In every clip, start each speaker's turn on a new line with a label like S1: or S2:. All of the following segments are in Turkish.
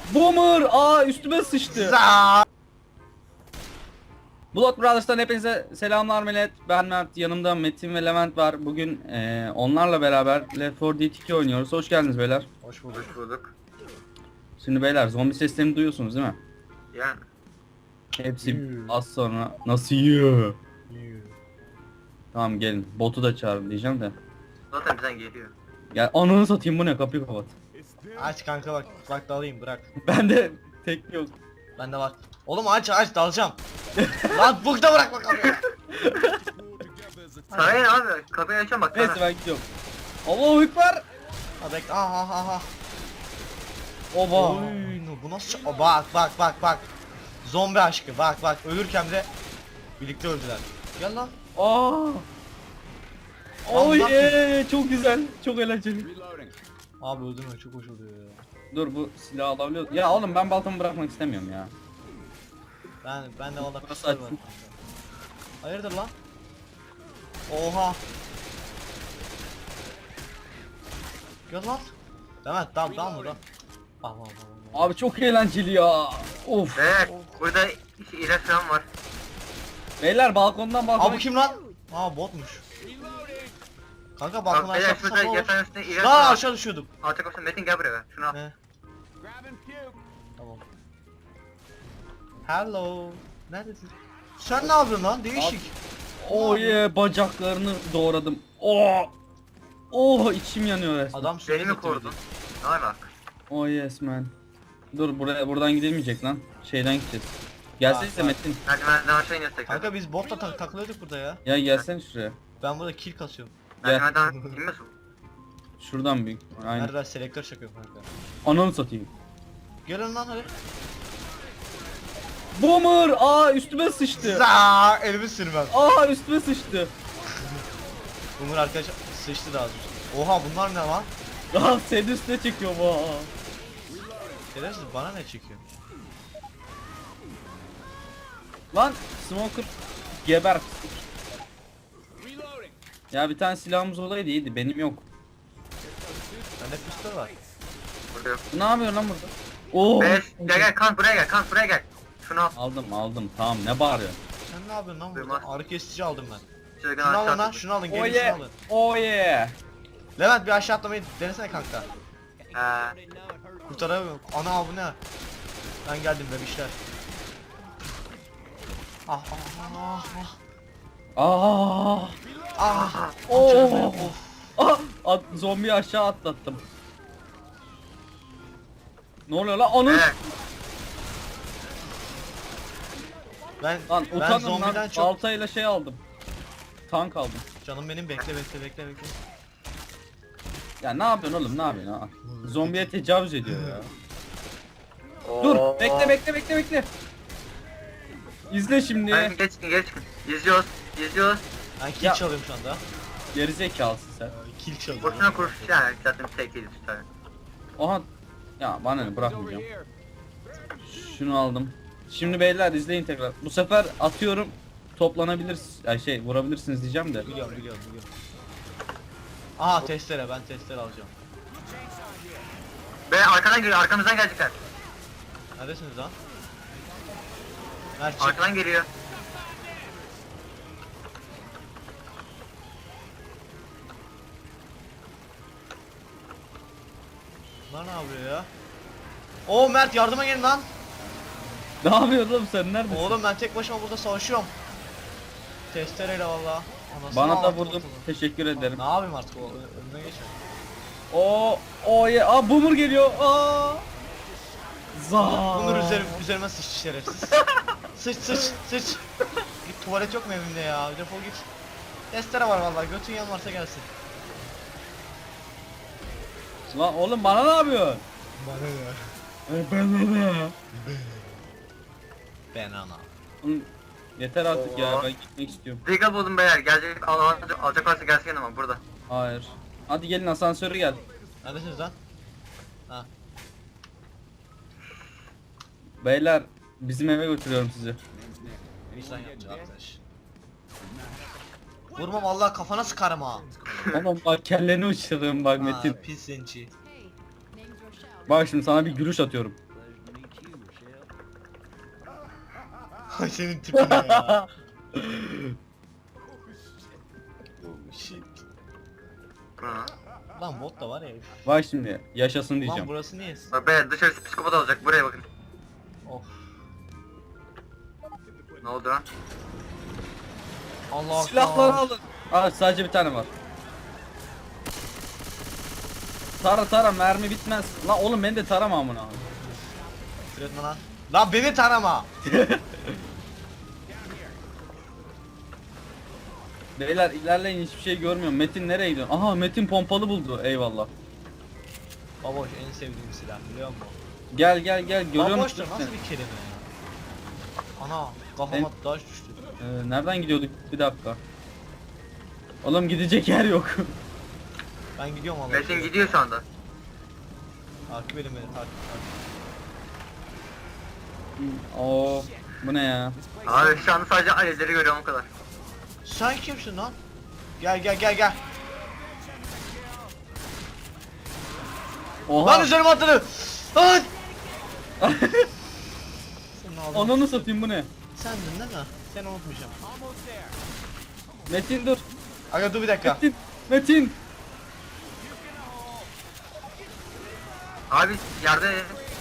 S1: Boomer! Aa üstüme sıçtı.
S2: Za.
S1: Blood Brothers'tan hepinize selamlar millet. Ben Mert, yanımda Metin ve Levent var. Bugün onlarla beraber Left 4 Dead 2 oynuyoruz. Hoş geldiniz beyler.
S2: Hoş bulduk.
S3: Hoş bulduk.
S1: Şimdi beyler zombi seslerini duyuyorsunuz değil mi?
S3: Yani.
S1: Hepsi az sonra. Nasıl yiyor?
S2: Yuh.
S1: Tamam gelin. Botu da çağırın diyeceğim de.
S3: Zaten bizden geliyor.
S1: Ya ananı satayım, bu ne, kapıyı kapat.
S2: Aç kanka bak dalayım bırak.
S1: Bende tek yok.
S2: Bende var. Oğlum aç dalacağım. Lan bukta bırak bakalım.
S3: Sana ne abi? Kapıyı açıyorum bak
S1: Neyse
S3: sana.
S1: ben gidiyorum. Allahu Ekber.
S2: Ha bekle aha.
S1: Oba.
S2: Oy, bu nasıl bak. Zombi aşkı bak ölürken de birlikte öldüler. Gel lan.
S1: Aa.
S2: Allah
S1: Çok güzel. Çok eğlenceli.
S2: Abi öldürme çok hoş oluyor ya.
S1: Dur, bu silahı alabiliyor. Ya oğlum ben baltamı bırakmak istemiyorum ya.
S2: Ben de valla
S1: Nasıl
S2: pistol var.
S1: açtın?
S2: Hayırdır lan? Oha. Gel lan. Demet dal mı da? Aman.
S1: Abi çok eğlenceli ya. Of.
S3: Evet. Burada ilaç falan var.
S1: Beyler balkondan balkona.
S2: Abi bu kim lan? Aa botmuş. Kanka balkon
S3: Bak
S2: aşağı
S3: beyler şurada
S2: tutsak olur.
S3: yatağın üstünde ilaç
S2: Lan
S3: var.
S2: aşağı düşüyordum.
S3: Alçak olsun Metin gel buraya ver. Şunu al.
S2: Ne? Tamam. Hello. Neredesin? Sen ne yapıyorsun lan? Değişik.
S1: Oh yeah, bacaklarını doğradım. Oh. Oh, içim yanıyor resmen.
S2: Adam
S3: Beni
S2: sürekli
S3: mi korudun? Ne alaka?
S1: Oh yes man. Dur, buradan gidilmeyecek lan. Şeyden gideceğiz. Gelsenize
S2: Bak.
S1: Metin.
S3: Merdivenden aşağı iniyoruz tekrar.
S2: Kanka biz botla takılıyorduk burada ya.
S1: Ya gelsene şuraya.
S2: Ben burada kill kasıyorum.
S3: Merdivenden inmiyorsun.
S1: Şuradan büyük. Aynen.
S2: Nerede selektör çakıyorum kanka.
S1: Ananı satayım.
S2: Gelin lan hadi.
S1: Boomer! Aa üstüme sıçtı.
S2: Zaa elimi sürmem.
S1: Aa üstüme sıçtı.
S2: Umur arkadaş sıçtı da az önce. Oha bunlar ne lan?
S1: Aa senin üstüne çekiyor bu.
S2: Şerefsiz bana ne çekiyor?
S1: Lan smoker geber. Ya bir tane silahımız olaydı iyiydi, benim yok.
S2: Bende pistol var.
S3: Burada yok.
S1: Ne yapıyorsun lan burada? Oo.
S3: Gel kan buraya gel. Kan buraya gel. Şunu al.
S1: Aldım tamam, ne bağırıyorsun?
S2: Sen ne yapıyorsun lan burada?
S3: Duymaz.
S2: Ağrı kesici aldım ben.
S3: Şöyle
S2: Şunu alın
S3: aşağı
S2: lan
S3: tut.
S2: şunu alın
S1: Oh
S2: gelin şunu
S1: yeah.
S2: alın.
S1: Oh yeah.
S2: Levent bir aşağı atlamayı denesene kanka.
S3: He.
S2: Kurtaramıyorum. Ana bu ne? Ben geldim bebişler. Ah.
S1: Aa.
S2: Ah.
S1: Oo.
S2: Of.
S1: Zombiyi aşağı atlattım. Ne oluyor lan? Onun.
S3: Evet.
S2: Ben
S1: Lan
S2: zombiden
S1: utanın lan.
S2: çok
S1: Baltayla şey aldım. Tank aldım.
S2: canım benim bekle.
S1: Ya ne yapıyorsun oğlum, ne yapıyorsun ha? Zombiye tecavüz ediyor ya.
S3: Oo.
S1: Dur, bekle. İzle şimdi.
S3: Hadi geç çıkın. Yüzüyoruz.
S2: Ben kill
S1: Ya.
S2: çalıyorum şu anda.
S1: Gerizekalısın sen.
S2: Kill çalıyorum.
S3: Boşuna kuruş yani. Zaten tek yedi tutar.
S1: Oha. Ya bana ne, bırakmayacağım. Şunu aldım. Şimdi beyler izleyin tekrar. Bu sefer atıyorum, toplanabilirsiniz. Yani vurabilirsiniz diyeceğim de.
S2: Biliyorum. Aha testere ben testere alacağım.
S3: Be arkadan geliyor. Arkamızdan gelecekler.
S2: Neredesiniz lan? Mert çık.
S3: Arkadan geliyor.
S2: Bunlar ne yapıyor ya? Oo Mert yardıma gelin lan.
S1: Ne yapıyorsun oğlum, sen neredesin?
S2: Oğlum ben tek başıma burada savaşıyorum. Testereyle valla. Anasını
S1: Bana da
S2: ağlattı
S1: vurdun.
S2: ortalığı.
S1: Teşekkür ederim.
S2: Ne yapayım artık o önüne geçer.
S1: O ya. Aa boomer geliyor. Aa. Za.
S2: Bunlar üzerime sıçtı şerefsiz. sıç. Git tuvalet yok mu evimde ya? Defol git. Testere var vallahi götün yan varsa gelsin.
S1: Lan oğlum bana ne yapıyorsun?
S2: Bana ne?
S1: Ben.
S2: Ben ana.
S1: Yeter artık ya,
S3: Oo.
S1: ben gitmek istiyorum.
S3: Diga buldum beyler. Alacak varsa gelsin yanıma burada.
S1: Hayır. Hadi gelin, asansörü gel.
S2: Neredesiniz lan? Ha.
S1: Beyler bizim eve götürüyorum sizi.
S2: Vicdan yapacak arkadaş. Vurma vallahi kafana sıkarım ha.
S1: Oğlum bak, kelleni uçururum bak Metin.
S2: Pis zenci.
S1: Bak şimdi sana bir gülüş atıyorum.
S2: Ay senin tipine ya. Oh shit.
S3: Bu ne lan?
S2: Lan bot da var ya.
S1: Bak şimdi yaşasın
S2: Lan
S1: diyeceğim.
S2: burası niye?
S3: Bak be dışarısı psikopat olacak. Buraya bakın.
S2: Of.
S3: Ne oldu lan?
S2: Allah
S1: Silahları alın. Aa sadece bir tane var. Tara mermi bitmez. Lan oğlum beni de tarama amına.
S2: Üretme lan. Lan beni tarama.
S1: Beyler ilerleyin hiçbir şey görmüyorum. Metin nereye gidiyor? Aha Metin pompalı buldu. Eyvallah.
S2: Baboş en sevdiğim silah biliyor musun?
S1: Gel görüyor
S2: Baboş
S1: musun?
S2: da nasıl bir kelime ya? Ana kafama taş düştü.
S1: Nereden gidiyorduk? Bir dakika. Oğlum gidecek yer yok.
S2: Ben gidiyorum Allah.
S3: Metin gidiyor şu anda.
S2: Takip edin beni takip.
S1: Oo, bu ne ya?
S3: Abi şu anda sadece alevleri görüyorum o kadar.
S2: Sen kimsin lan? Gel.
S1: Oha.
S2: Lan üzerime atladı. Lan! Senin ağzına
S1: Ananı satayım bu ne?
S2: Sendin değil mi? Seni unutmayacağım.
S1: Metin dur.
S2: Aga dur bir dakika.
S1: Metin.
S3: Abi yerde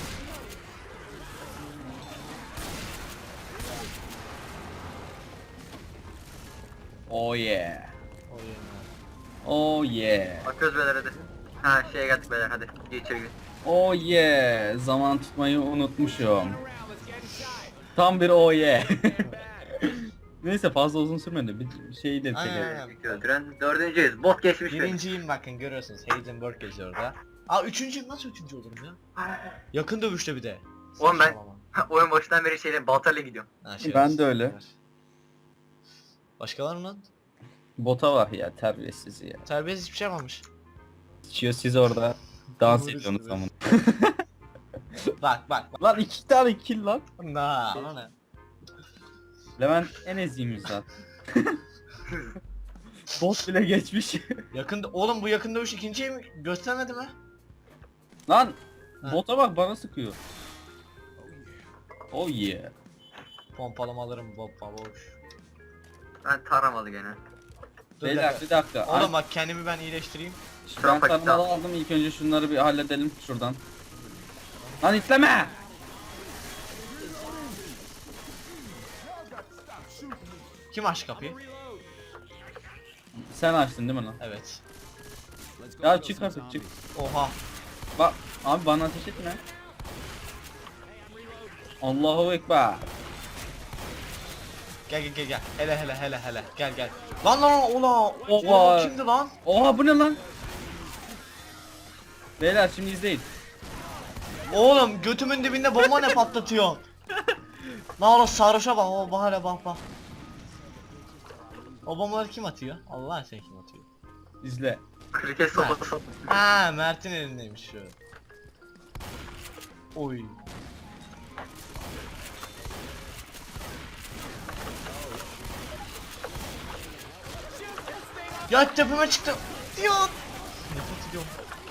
S1: Oh yeah.
S2: O yerine.
S1: Oh yeah.
S3: bakıyoruz beyler hadi. Ha şeye geldik beyler hadi. Gir içeri gir.
S1: Oh yeah. Zaman tutmayı unutmuşum. Tam bir oh yeah. Neyse fazla uzun sürmedi. Bir şeyi de çekelim.
S2: Aynen.
S3: İlk öldüren dördüncüyüz. Bot geçmiş beni.
S2: Birinciyim bakın görüyorsunuz. Heisenberg yazıyor orada. Aa üçüncüyüm nasıl üçüncü olurum ya? Yakın dövüşte bir de.
S3: Oğlum ben
S2: Saçmalama.
S3: oyun başından beri şeyle baltayla gidiyorum.
S2: Ha,
S1: Ben de öyle.
S2: Başka var mı lan?
S1: Bota var ya terbiyesiz ya.
S2: Terbiyesiz hiçbir şey yapmamış.
S1: Sıçıyor siz orada. Dans
S2: Doğru
S1: ediyorsunuz amına.
S2: Bak.
S1: Lan 2 tane kill lan.
S2: Na. Ona ne?
S1: Levent en eziymiş zaten. Bot bile geçmiş.
S2: Yakında oğlum bu yakın dövüş ikinciye mi göstermedi mi?
S1: Lan
S2: Ha.
S1: bota bak bana sıkıyor. Oh yeah.
S2: Pompalamalarım boş.
S3: Ben taramadı gene.
S2: Dur
S1: Beyler bir dakika.
S2: Oğlum bak kendimi ben iyileştireyim.
S1: Ben
S3: paket
S1: tarımalı aldım ilk önce şunları bir halledelim şuradan. Lan itleme!
S2: Kim açtı kapıyı?
S1: Sen açtın değil mi lan?
S2: Evet.
S1: Ya çık artık çık.
S2: Oha.
S1: Bak abi bana ateş etme. Allahu Ekber.
S2: Gel. Hele. Gel. Lan ulan.
S1: Oha.
S2: Kimdi lan?
S1: Oha bu ne lan? Beyler şimdi izleyin.
S2: Oğlum götümün dibinde bomba ne patlatıyor? Lan oğlum sarhoşa bak o bahane bak. O bombaları kim atıyor? Allah sen kim atıyor?
S1: İzle.
S3: Kriket sopası.
S2: Ha Mert'in elindeymiş şu. Oy. Ya tepeme çıktı. Diyor. Nefret ediyorum.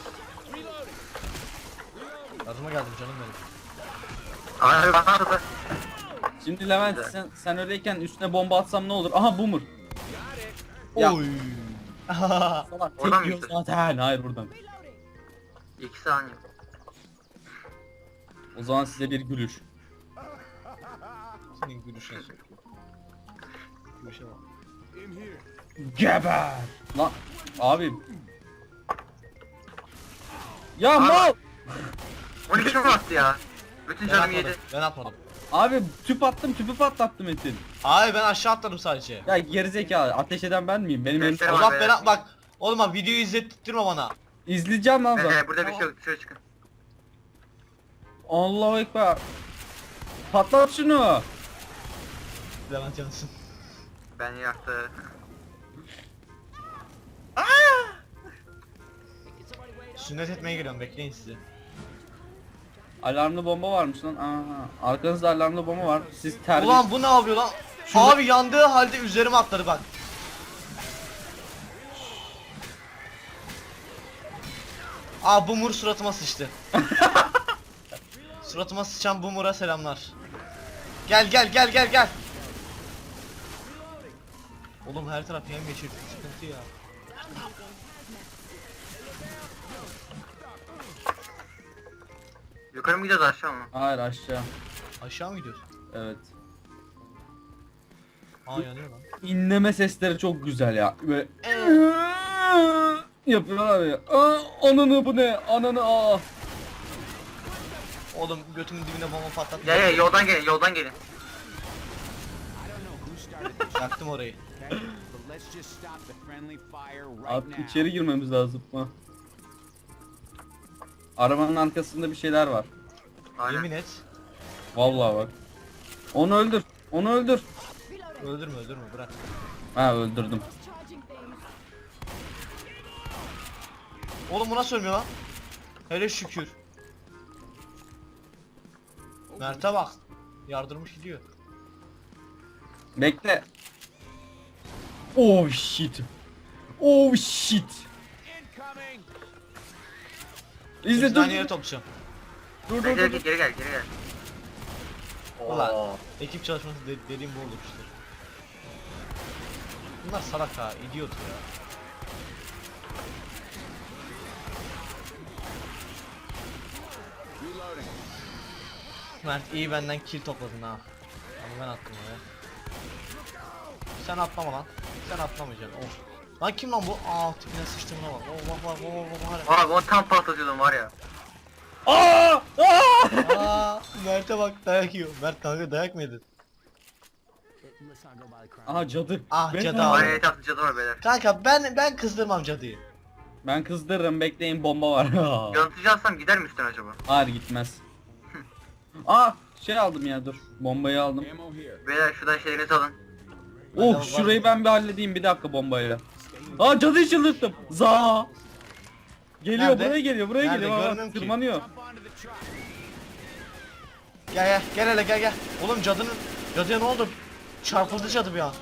S2: Yardıma geldim canım benim.
S3: Abi bana da
S1: Şimdi Levent sen öyleyken üstüne bomba atsam ne olur? Aha boomer. Ya.
S2: Oy.
S1: Salak
S3: Oradan
S1: tek
S3: mı
S1: yiyor
S3: işte?
S1: zaten. Hayır buradan.
S3: 2 saniye.
S1: O zaman size bir gülüş.
S2: Senin gülüşüne sokuyor. Gülüşe bak.
S1: Geber. Lan abi. Ya
S3: Abi.
S1: mal.
S3: 12 mi attı ya? Bütün canım yedi.
S2: Ben atmadım.
S1: Abi tüp attım tüpü patlattım Metin.
S2: Abi ben aşağı atladım sadece.
S1: Ya gerizekalı ateş eden ben miyim? Benim elim...
S3: Göster
S2: O
S3: ama
S2: zaman
S3: be.
S2: ben bak. Oğlum bak videoyu izlettirme bana.
S1: İzleyeceğim lan zaten.
S3: Burada bir şey yok dışarı çıkın.
S1: Allahu Ekber. Patlat şunu.
S2: Levent Yansın.
S3: Ben yaktı.
S2: Sünnet etmeye geliyorum bekleyin sizi.
S1: Alarmlı bomba varmış lan. Aha. Arkanızda alarmlı bomba var. Siz terbiye...
S2: Ulan bu ne yapıyor lan? Abi yandığı halde üzerime atladı bak. Aa Boomer suratıma sıçtı. Suratıma sıçan Boomer'a selamlar. Gel. Oğlum her taraf yemyeşil, sıkıntı ya.
S3: Yukarı mı gidiyoruz aşağı mı?
S1: Hayır aşağı.
S2: Aşağı mı gidiyorsun?
S1: Evet.
S2: Aa yanıyor lan.
S1: İnleme sesleri çok güzel ya. Böyle yapıyorlar ya. Ananı bu ne? Ananı aa.
S2: Oğlum götümün dibine bomba patlattı.
S3: Ya yoldan gelin.
S2: Yaktım orayı.
S1: Artık içeri girmemiz lazım. Ha. Arabanın arkasında bir şeyler var.
S3: Aynen.
S2: Yemin et.
S1: Vallahi bak. Onu öldür. Onu öldür.
S2: Öldürme bırak.
S1: Ha öldürdüm.
S2: Oğlum bu nasıl ölmüyor lan? Hele şükür. Mert'e bak. Yardırmış gidiyor.
S1: Bekle. Oh shit. Oh shit. İzle
S2: Hepsini
S1: dur.
S2: aynı yere toplayacağım.
S1: Dur
S3: Geri
S1: dur
S3: gel,
S1: dur.
S3: geri gel.
S2: Ulan
S3: Oo.
S2: ekip çalışması dediğim bu olur işte. Bunlar salak ha, idiot ya. Mert iyi benden kill topladın ha. Ama ben attım oraya. Sen atlama lan. Sen atlamayacaksın. Of. Lan kim lan bu? Aa tipine sıçtığına bak. Oh, bak.
S3: Abi onu tam patlatıyordum var ya.
S1: Aa! Aa!
S2: Aa Mert'e bak dayak yiyor. Mert kanka dayak mı yedin?
S1: Aha cadı.
S2: Ah,
S1: Ben-
S2: cadı
S3: Var
S2: abi.
S3: ya etrafta cadı var beyler.
S2: Kanka ben kızdırmam cadıyı.
S1: Ben kızdırırım bekleyin bomba var.
S3: Yanıtıcı alsam gider mi üstten acaba?
S1: Hayır gitmez. Aa şey aldım ya dur. Bombayı aldım.
S3: Beyler şuradan şeylerinizi alın.
S1: Oh
S2: var.
S1: şurayı ben bir halledeyim bir dakika bombayla. Aa cadıyı çıldırttım. Za. Geliyor
S2: Nerede?
S1: buraya geliyor buraya
S2: Nerede?
S1: geliyor.
S2: Görmüyorum
S1: Bak,
S2: ki.
S1: tırmanıyor.
S2: Gel hele gel. Oğlum cadıya ne oldu? Çarpıldı cadı bir an.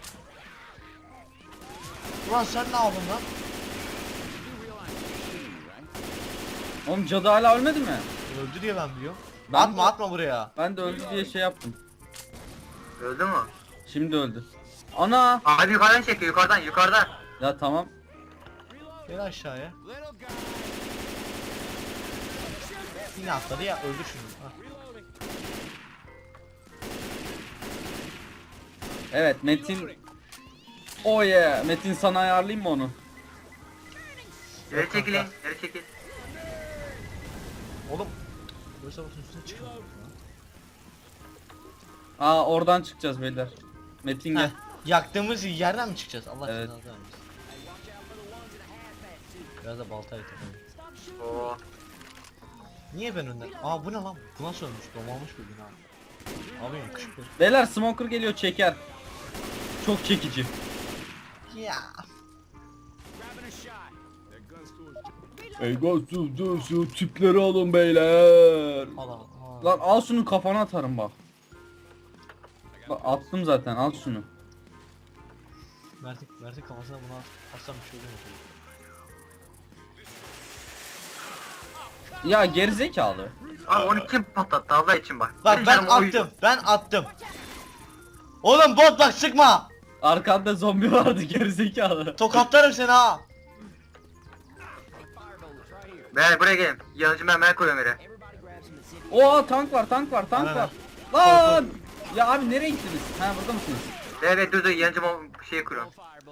S2: Ulan sen ne yaptın lan?
S1: Oğlum cadı hala ölmedi mi?
S2: Öldü diye ben biliyorum.
S1: Ben de-
S2: Atma buraya.
S1: Ben de öldü diye şey yaptım.
S3: Öldü mü?
S1: Şimdi öldü. Ana.
S3: Abi yukarıdan çekiyor yukarıdan.
S1: Ya tamam.
S2: Gel aşağıya. Yine atladı ya öldü şunu. Hah.
S1: Evet Metin. Oh yeah. Metin sana ayarlayayım mı onu?
S3: Geri çekilin, geri çekil.
S2: Oğlum. Böyle bakın üstüne çıkıyor.
S1: Aa oradan çıkacağız beyler. Metin gel.
S2: Heh, yaktığımız yerden mi çıkacağız? Allah
S1: Evet.
S2: evet. Biraz da baltayla takalım.
S3: Oo.
S2: Niye ben önden? Aa bu ne lan? Bu nasıl ölmüş? Domalmış bir bina. Abi yakışıklı.
S1: Beyler smoker geliyor çeker. Çok çekici.
S2: Ya.
S1: Ey şu tipleri alın beyler.
S2: Allah.
S1: Lan al şunu kafana atarım bak. Bak attım zaten al şunu.
S2: Mert'in kafasına bunu atsam bir şey olur mu?
S1: Ya gerizekalı.
S3: Abi onu kim patlattı Allah için bak.
S2: Bak
S3: Benim
S2: ben
S3: canım oydu.
S2: attım. Ben attım. Oğlum bot bak sıkma.
S1: Arkanda zombi vardı gerizekalı.
S2: Tokatlarım seni ha.
S3: Beyler buraya gelin. Yanıcı mermer koyuyorum yere.
S1: Oo tank var tank var tank
S2: Aynen.
S1: var. Lan! Ya abi nereye gittiniz? Ha burada mısınız?
S3: Evet dur yanıcı şeyi kuruyorum.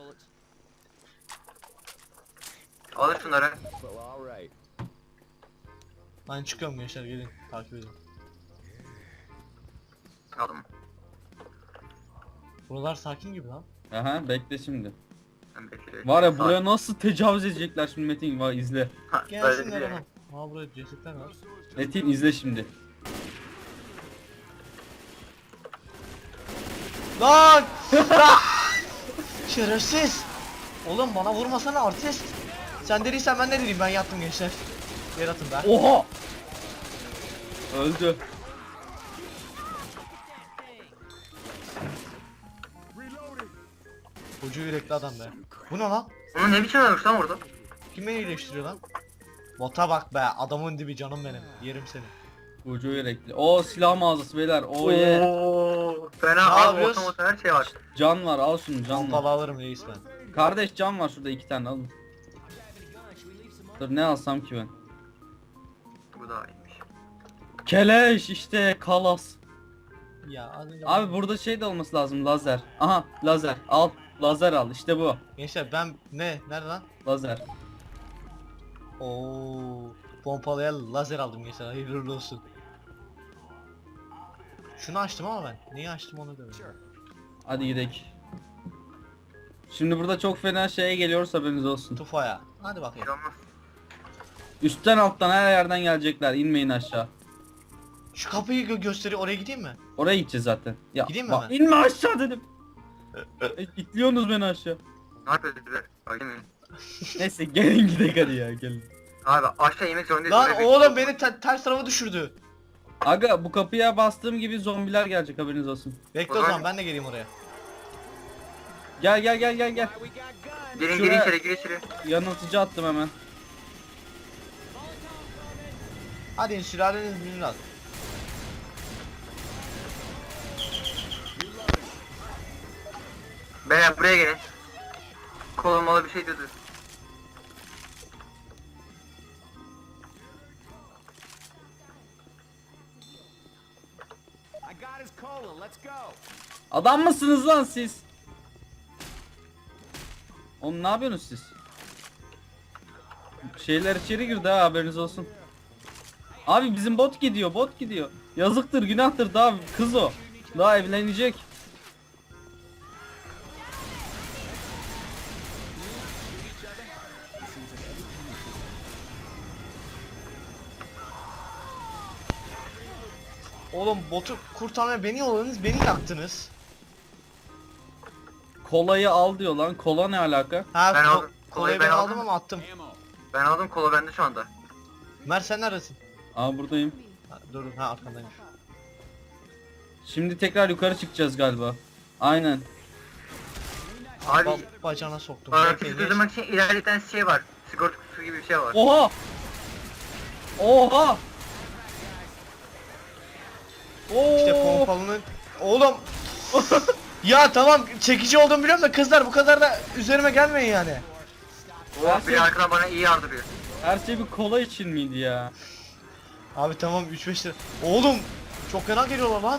S3: Alın şunları.
S2: Ben çıkıyorum gençler gelin takip edin.
S3: Aldım.
S2: Buralar sakin gibi lan.
S1: Aha bekle şimdi.
S3: Ben bekliyorum.
S1: Var ya buraya nasıl tecavüz edecekler şimdi Metin var izle.
S3: Ha, böyle
S2: Gelsinler
S3: diyor.
S2: oğlum. Aa burada cesetler var.
S1: Metin izle şimdi.
S2: Lan! Lan! Şerefsiz! Oğlum bana vurmasana artist. Sen dediysen ben ne dedim ben yattım gençler. Yer atın be.
S1: Oha! Öldü.
S2: Koca yürekli adam be. Bu ne lan?
S3: Onun ne biçim ölmüş lan orada?
S2: Kim beni iyileştiriyor lan? Bota bak be adamın dibi canım benim. Yerim seni.
S1: Ucu yürekli. O silah mağazası beyler. O ye.
S3: Oo, fena
S2: Ne
S3: abi
S2: yapıyoruz?
S3: otomotor her şey var.
S1: Can var, al şunu, can
S2: Pompalı
S1: var.
S2: alırım reis ben.
S1: Kardeş can var şurada 2 tane, alın. Dur ne alsam ki ben?
S3: Bu da iyiymiş.
S1: Keleş işte, kalas.
S2: Ya az önce
S1: Abi burada şey de olması lazım, lazer. Aha lazer, al. Lazer al, işte bu.
S2: Gençler ben ne? Nerede lan?
S1: Lazer.
S2: Oo, pompalıya lazer aldım gençler. Hayırlı uğurlu olsun. Şunu açtım ama ben. Neyi açtım onu bilmiyorum.
S1: Hadi gidelim. Şimdi burada çok fena şeye geliyoruz, haberiniz olsun.
S2: Tufaya. Hadi
S3: Bir
S2: bakayım.
S3: şey olmaz.
S1: Üstten alttan her yerden gelecekler, inmeyin aşağı.
S2: Şu kapıyı gösteriyor. Oraya gideyim mi?
S1: Oraya gideceğiz zaten. Ya
S2: Gideyim mi
S1: bak,
S2: hemen?
S1: inme aşağı dedim. İtliyorsunuz beni aşağı.
S3: Ne yapıyoruz biz? Bak değil mi?
S1: Neyse gelin gidelim hadi ya, gelin.
S3: Abi aşağı inmek zorundayız.
S2: Lan
S3: Oraya bir-
S2: oğlum beni ters tarafa düşürdü.
S1: Aga bu kapıya bastığım gibi zombiler gelecek, haberiniz olsun.
S2: Bekle
S3: O
S2: o
S3: zaman-
S2: zaman ben de geleyim oraya.
S1: Gel gel gel gel gel.
S3: Girin
S1: Şuraya-
S3: içeri gir içeri.
S1: Yanıltıcı attım hemen.
S2: Hadi sülaleniz birini al.
S3: Beyler buraya gelin. Kolumalı bir şey diyordu.
S4: I got his cola. Let's go.
S1: Adam mısınız lan siz? Oğlum ne yapıyorsunuz siz? Şeyler içeri girdi ha, haberiniz olsun. Abi bizim bot gidiyor, bot gidiyor. Yazıktır, günahtır, daha kız o. Daha evlenecek.
S2: Oğlum botu kurtarmaya beni yolladınız, beni yaktınız.
S1: Kolayı al diyor lan. Kola ne alaka?
S2: Ha
S3: Ben
S2: ko-
S3: aldım.
S2: kolayı
S3: Kolayı
S2: ben
S3: ben
S2: aldım
S3: aldım.
S2: ama attım.
S4: Ammo.
S3: Ben aldım kola bende şu anda.
S2: Mert sen neredesin?
S1: Aa buradayım.
S2: Ha, dur ha arkandaymış.
S1: Şimdi tekrar yukarı çıkacağız galiba. Aynen.
S3: Abi
S2: Bacağına soktum.
S3: hareketi
S2: Bekle, geç.
S3: durdurmak için ilerleten şey var. Sigorta kutusu gibi bir şey var.
S1: Oha! Oha! Oo!
S2: İşte pompalının... Oğlum! Ya tamam çekici olduğumu biliyorum da kızlar bu kadar da üzerime gelmeyin yani.
S3: Oh, biri arkadan bana iyi yardırıyor.
S1: Her şey bir kola için miydi ya?
S2: Abi tamam 3-5 lira. Oğlum! Çok fena geliyorlar lan.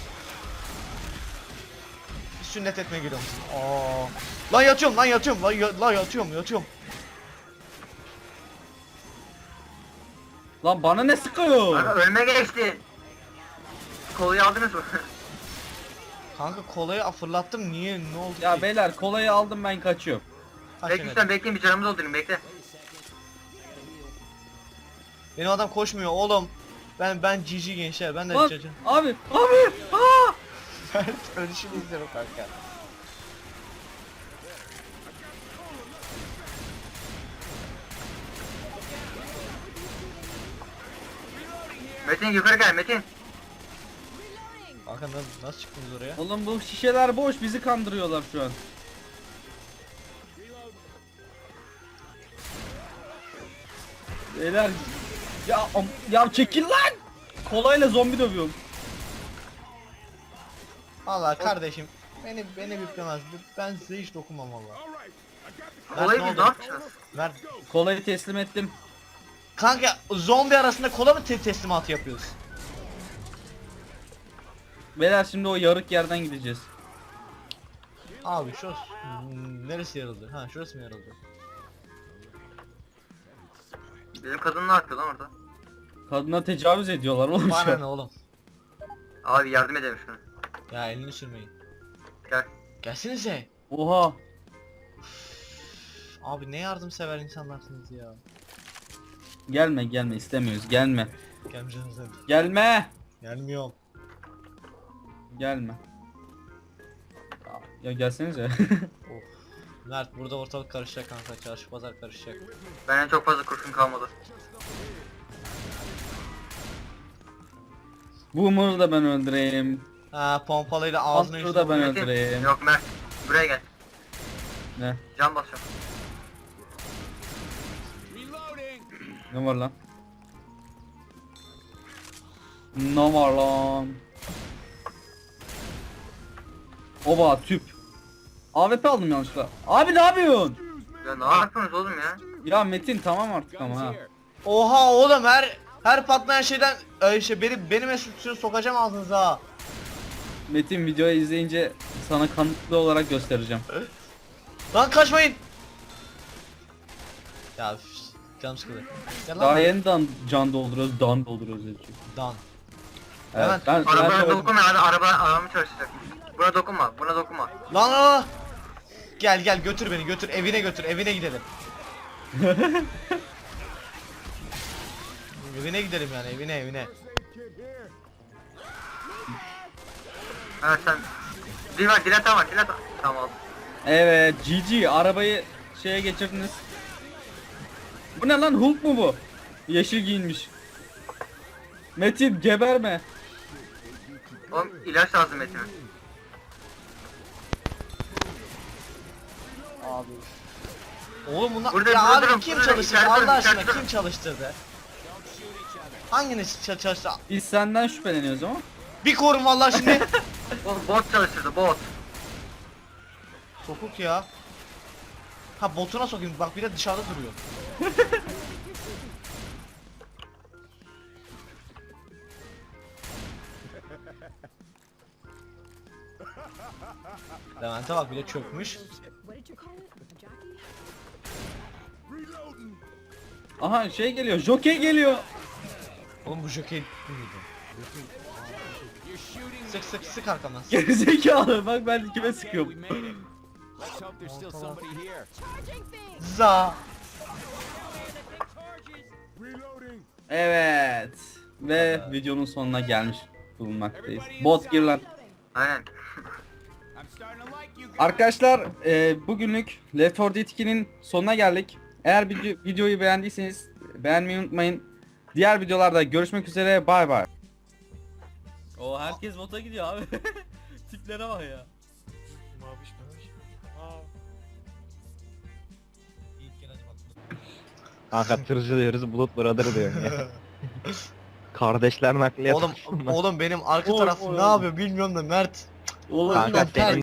S2: Sünnet etmeye geliyorum. Aa. Lan yatıyorum lan yatıyorum lan yatıyorum.
S1: Lan bana ne sıkıyor?
S3: Kanka önüme geçti. Kolayı aldınız mı?
S2: Kanka kolayı fırlattım niye ne oldu
S1: Ya
S2: ki?
S1: beyler kolayı aldım, ben kaçıyorum.
S2: Kaç
S3: Bekle
S2: yönet?
S3: sen bekleyin bir canımı doldurayım bekle.
S2: Benim adam koşmuyor oğlum. Ben GG gençler ben de
S1: Lan
S2: cacım.
S1: abi aa!
S2: Ben ölüşünü izliyorum kanka.
S3: Metin yukarı gel Metin.
S2: Kanka nasıl çıktınız oraya?
S1: Oğlum bu şişeler boş, bizi kandırıyorlar şu an. Beyler ya çekil lan! Kolayla zombi dövüyorum.
S2: Valla kardeşim beni büklemez. Ben size hiç dokunmam valla.
S3: Kolayı
S2: ne
S3: biz ne
S2: oldu?
S3: yapacağız?
S2: Ver.
S1: Kolayı teslim ettim.
S2: Kanka zombi arasında kola mı teslimatı yapıyoruz?
S1: Beyler şimdi o yarık yerden gideceğiz.
S2: Abi şu neresi yarıldı? Ha şurası mı yarıldı?
S3: Bizim kadın ne yapıyor lan orada?
S1: Kadına tecavüz ediyorlar oğlum şu
S2: Bana
S1: an.
S2: ne oğlum?
S3: Abi yardım edelim şuna.
S2: Ya elini sürmeyin.
S3: Gel.
S2: Gelsenize.
S1: Oha.
S2: Abi ne yardımsever insanlarsınız ya.
S1: Gelme istemiyoruz, gelme.
S2: Gelmeyeceğiniz dedim.
S1: Gelme.
S2: Gelmiyorum.
S1: Gelme. Ya gelsenize.
S2: Of. Mert burada ortalık karışacak kanka. Çarşı pazar karışacak.
S3: Benden çok fazla kurşun kalmadı.
S1: Boomer'ı da ben öldüreyim.
S2: Ha pompalıyla ağzına
S1: Hunter'ı da ben
S3: Metin.
S1: öldüreyim.
S3: Yok Mert. Buraya gel.
S1: Ne?
S3: Can basacağım.
S4: Reloading.
S1: Ne var lan? Ne var lan? Oba tüp. AWP aldım yanlışlıkla. Abi ne yapıyorsun?
S3: Ya ne yapıyorsunuz oğlum ya?
S1: Ya Metin tamam artık ama ha.
S2: Oha oğlum her patlayan şeyden benim esütünü sokacağım ağzınıza ha.
S1: Metin videoyu izleyince sana kanıtlı olarak göstereceğim.
S2: Lan kaçmayın. Ya üf, canım sıkıldı. Gel lan.
S1: Daha yeniden can dolduruyoruz, dan dolduruyoruz dedi çünkü.
S2: Dan.
S1: Evet,
S2: Hemen.
S1: ben
S3: Arabaya
S1: söyledim.
S3: dokunma hadi arabamı çalışacak. Buna dokunma buna dokunma.
S2: Lan. Gel götür beni götür evine gidelim. Evine gidelim yani evine.
S3: Evet sen. Dilata var. Tamam.
S1: Evet, GG arabayı şeye geçirdiniz. Bu ne lan, Hulk mu bu? Yeşil giyinmiş. Metin geberme.
S3: Oğlum ilaç lazım Metin'e.
S1: Abi.
S2: Oğlum bunlar
S3: Burada,
S2: ya
S3: burada
S2: abi
S3: durun,
S2: kim
S3: burada,
S2: çalıştırdı
S3: içeride durun,
S2: Allah aşkına
S3: içeride durun.
S2: kim çalıştırdı? Hanginiz çalıştı?
S1: Biz senden şüpheleniyoruz ama.
S2: Bir korun vallahi şimdi.
S3: Oğlum bot çalıştırdı bot.
S2: Sokuk ya. Ha botuna sokayım bak bir de dışarıda duruyor. Levent'e bak bir de çökmüş.
S5: What did you call it? A jockey?
S1: Aha şey geliyor, Jockey geliyor.
S2: Oğlum bu jokey bu muydu? Sık arkamdan.
S1: Gerizekalı, bak ben kime sıkıyorum.
S4: We made it. Let's hope there's still somebody here.
S5: Charging thing!
S2: Za.
S1: Evet. Ve videonun sonuna gelmiş bulunmaktayız. Bot gir lan.
S3: Aynen.
S4: I'm starting to like you guys.
S1: Arkadaşlar bugünlük Left 4 Dead 2'nin sonuna geldik. Eğer videoyu beğendiyseniz beğenmeyi unutmayın. Diğer videolarda görüşmek üzere, bay bay. O herkes bota gidiyor abi. Tiplere bak ya.
S2: Maviş.
S6: Kanka tırcı diyoruz, bulut brother diyorum ya. Kardeşler nakliyat.
S2: Oğlum benim arka taraf ne yapıyor bilmiyorum da Mert.
S1: Oğlum
S6: Kanka
S2: Mert.